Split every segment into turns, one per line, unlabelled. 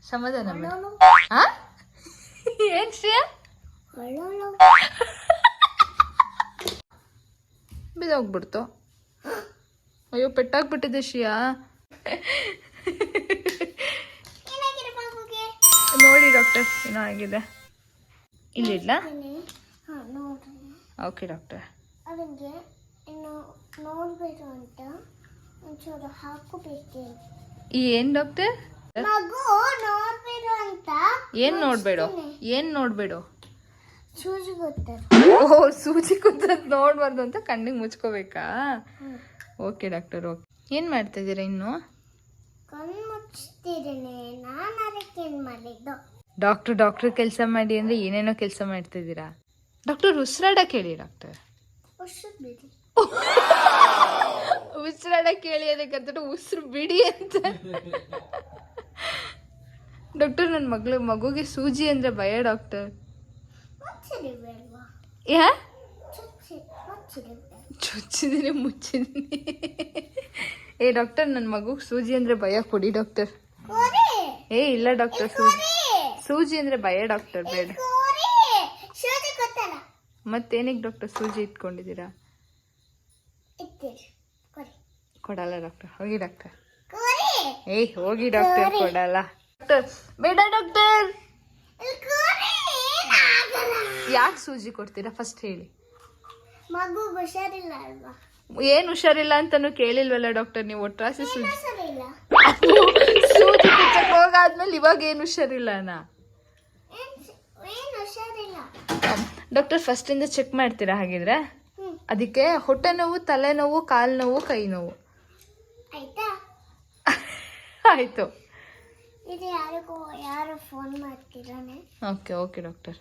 ಸಮಾಧಾನ ಮಾಡು. ಏನ್ ಶ್ರೇಯ ಬಿದ್ದೋಗ್ಬಿಡ್ತು. ಅಯ್ಯೋ ಪೆಟ್ಟಾಗ್ಬಿಟ್ಟಿದೆ ಶ್ರೇಯಾ. ನೋಡಿ ಡಾಕ್ಟರ್ ಏನೋ ಆಗಿದೆ. ಇಲ್ಲಿಡ್ಲಾ? Okay doctor.
ಅದಕ್ಕೆ ಇನ್ನು ನೋಡ್ಬೇಕು ಅಂತ ಒಂಚೂರು ಹಾಕಬೇಕು.
ಏನ್ ಡಾಕ್ಟರ್?
ಮಗು ನೋಡ್ಬೇಕು ಅಂತ.
ಏನ್ ನೋಡ್ಬೇಡ? ಏನ್ ನೋಡ್ಬೇಡ?
ಸೂಜಿ ಗೊತ್ತದ.
ಓಹ್ ಸೂಜಿ ಕುತ್ತದ್ ನೋಡ್ಬಾರ್ದು ಅಂತ ಕಣ್ಣಿಗೆ ಮುಚ್ಕೋಬೇಕಾ? Okay doctor. ಓಕೆ. ಏನ್ ಮಾಡ್ತಾ ಇದ್ದೀರಾ ಇನ್ನು?
ಕಣ್ಣು ಮುಚ್ತಿದ್ದೇನೆ. ನಾನು ಅದಕ್ಕೆ ಏನ್ ಮಾಡಿದ್ದು?
ಡಾಕ್ಟರ್ ಕೆಲಸ ಮಾಡಿ ಅಂದ್ರೆ ಏನೇನೋ ಕೆಲಸ ಮಾಡ್ತಾ ಇದ್ದೀರಾ. ಡಾಕ್ಟರ್ ಉಸಿರಾಡಕ್ಕೆ ಹೇಳಿ ಡಾಕ್ಟರ್. ಉಸಿರಾಡಕ್ಕೆ ಹೇಳಿ ಅದಕ್ಕಂತ ಉಸಿರು ಬಿಡಿ ಅಂತ. ಡಾಕ್ಟರ್ ನನ್ನ ಮಗುಗೆ ಸೂಜಿ ಅಂದ್ರೆ ಭಯ ಡಾಕ್ಟರ್. ಯಾ ಚುಚ್ಚಿದೀನಿ ಮುಚ್ಚಿದೀನಿ. ಏ ಡಾಕ್ಟರ್ ನನ್ನ ಮಗುಗೆ ಸೂಜಿ ಅಂದ್ರೆ ಭಯ ಕೊಡಿ ಡಾಕ್ಟರ್. ಏ ಇಲ್ಲ ಡಾಕ್ಟರ್ ಸೂಜಿ ಅಂದ್ರೆ ಭಯ ಡಾಕ್ಟರ್ ಬೇಡ. ಮತ್ತೇನಿಗೆ ಡಾಕ್ಟರ್ ಸೂಜಿ ಇಟ್ಕೊಂಡಿದ್ದೀರಾ? ಕೊಡಲ್ಲ ಡಾಕ್ಟರ್. ಹೋಗಿ ಡಾಕ್ಟರ್. ಏಯ್ ಹೋಗಿ ಡಾಕ್ಟರ್. ಕೊಡಲ್ಲ ಡಾಕ್ಟರ್. ಬೇಡ ಡಾಕ್ಟರ್. ಯಾಕೆ ಸೂಜಿ ಕೊಡ್ತೀರಾ ಫಸ್ಟ್ ಹೇಳಿ.
ಮಗು ಹುಷಾರಿಲ್ಲ ಅಲ್ವಾ?
ಏನ್ ಹುಷಾರಿಲ್ಲ ಅಂತಾನು ಕೇಳಿಲ್ವಲ್ಲ ಡಾಕ್ಟರ್ ನೀವು. ಒಟ್ರಾಸಿ ಸೂಜಿ ಕುಚ್ಚಕ್ ಹೋಗಾದ್ಮೇಲೆ ಇವಾಗ ಏನ್ ಹುಷಾರಿಲ್ಲನಾ ಡಾಕ್ಟರ್? ಫಸ್ಟ್ ಇಂದ ಚೆಕ್ ಮಾಡ್ತೀರಾ ಹಾಗಿದ್ರೆ? ಅದಕ್ಕೆ ಹೊಟ್ಟೆ ನೋವು, ತಲೆನೋವು, ಕಾಲು ನೋವು, ಕೈ ನೋವು. ಆಯ್ತು.
ಇದು ಯಾರು ಫೋನ್ ಮಾಡ್ತಿದ್ದಾನೆ?
Okay okay doctor.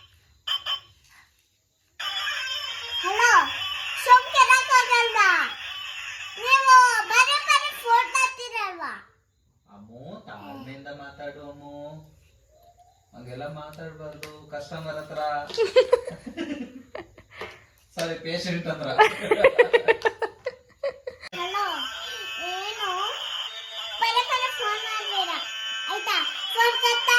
ಹಲೋ, ನೀವು ಬರೀ ಫೋನ್ ಮಾಡ್ತೀರಲ್ವಾ?
ಅಮ್ಮು ತಾಳ್ಮೆಯಿಂದ ಮಾತಾಡು ಅಮ್ಮು. ಹಂಗೆಲ್ಲ ಮಾತಾಡ್ಬಾರ್ದು ಕಸ್ಟಮರ್ ಹತ್ರ. ಸಾರಿ ಪೇಷಂಟ್ ಹತ್ರ.
ಹಲೋ, ಏನು ಬರೀ ಫೋನ್ ಮಾಡ್ಬೇಡ ಆಯ್ತಾ? ಫೋನ್ ಕಟ್ಟ.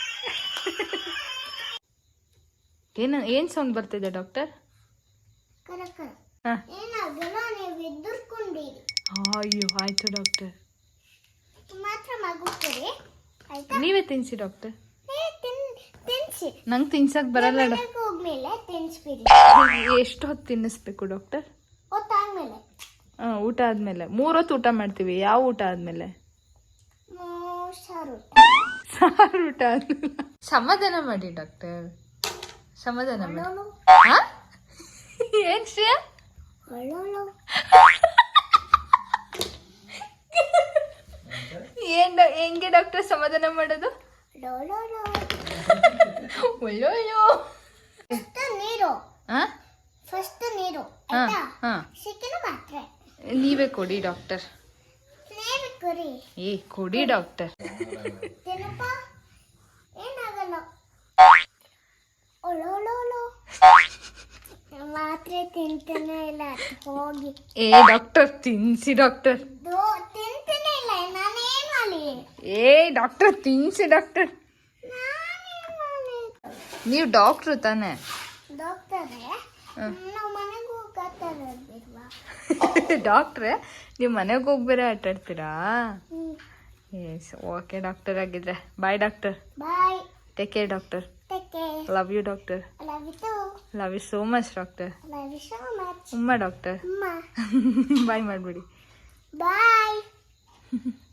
ಏನ್ ಸೌಂಡ್ ಬರ್ತಿದೆ ಡಾಕ್ಟರ್?
ಏನಾಗಲ್ಲ, ನೀವು ಎದುರ್ಕೊಂಡಿರಿ.
ಅಯ್ಯೋ ಆಯ್ತು ಡಾಕ್ಟರ್.
ಮಾತ್ರ ಮಗು ಕೊಡಿ ಆಯ್ತಾ?
ನೀವೇ ತಿನ್ಸಿ ಡಾಕ್ಟರ್.
ತಿನ್ಸಿ.
ನಂಗೆ ತಿನ್ಸಕ್ ಬರಲ್ಲ ಡಾಕ್ಟರ್.
ಹೋಗ್ಮೇಲೆ ತಿನ್ಸ್ಬಿಡಿ.
ಎಷ್ಟು ಹೊತ್ತು ತಿನ್ನಿಸ್ಬೇಕು ಡಾಕ್ಟರ್?
ಹೊತ್ತಾದ್ಮೇಲೆ.
ಊಟ ಆದ್ಮೇಲೆ. 3 ಹೊತ್ತು ಊಟ ಮಾಡ್ತೀವಿ. ಯಾವ ಊಟ ಆದ್ಮೇಲೆ?
ಸಾರು
ಊಟ ಆದ್ಮೇಲೆ. ಸಮಾಧಾನ ಮಾಡಿ ಡಾಕ್ಟರ್. ಸಮಾಧಾನ ಮಾಡಿ. ಏನ್ ಶ್ರೇಯ? ಹೆಂಗೆ ಡಾಕ್ಟರ್ ಸಮಾಧಾನ ಮಾಡೋದು? ಒಳ್ಳೊಳ್ಳು
ನೀರು. ಫಸ್ಟ್ ನೀರು ಸಿಕ್ಕಿನ ಮಾತ್ರೆ
ನೀವೇ ಕೊಡಿ ಡಾಕ್ಟರ್.
ನೀವೇ ಕೊಡಿ.
ಕೊಡಿ ಡಾಕ್ಟರ್.
ತಿನ್ನಪ್ಪ, ಏನಾಗಲ್ಲ. ಒಳ್ಳೊಳ್ಳೊಳ್ಳು ಮಾತ್ರೆ ತಿಂತಾನೆ ಇಲ್ಲ. ಹೋಗಿ.
ಡಾಕ್ಟರ್ ತಿನ್ಸಿ ಡಾಕ್ಟರ್.
ತಿಂತಾನೆ ಇಲ್ಲ. ನಾನೇನ್ ಮಾಡಿ?
ಡಾಕ್ಟರ್ ತಿನ್ಸಿ ಡಾಕ್ಟರ್. ನೀವು ಡಾಕ್ಟ್ರು ತಾನೆ?
ಡಾಕ್ಟರೇ, ನಾವು ಮನೆಗೆ ಹೋಗ್ತಾರಲ್ವಾ?
ಡಾಕ್ಟ್ರೇ, ನೀವು ಮನೆಗೆ ಹೋಗಿ ಬೇರೆ ಆಟಾಡ್ತೀರಾ? S okay doctor. ಆಗಿದ್ರೆ bye doctor.
Bye.
Take care doctor.
Take care.
Love you doctor.
Love you too.
Love you so much doctor.
Love you so much.
ಉಮ್ಮ ಡಾಕ್ಟರ್.
ಅಮ್ಮ.
ಬಾಯ್ ಮಾಡ್ಬಿಡಿ.
ಬಾಯ್.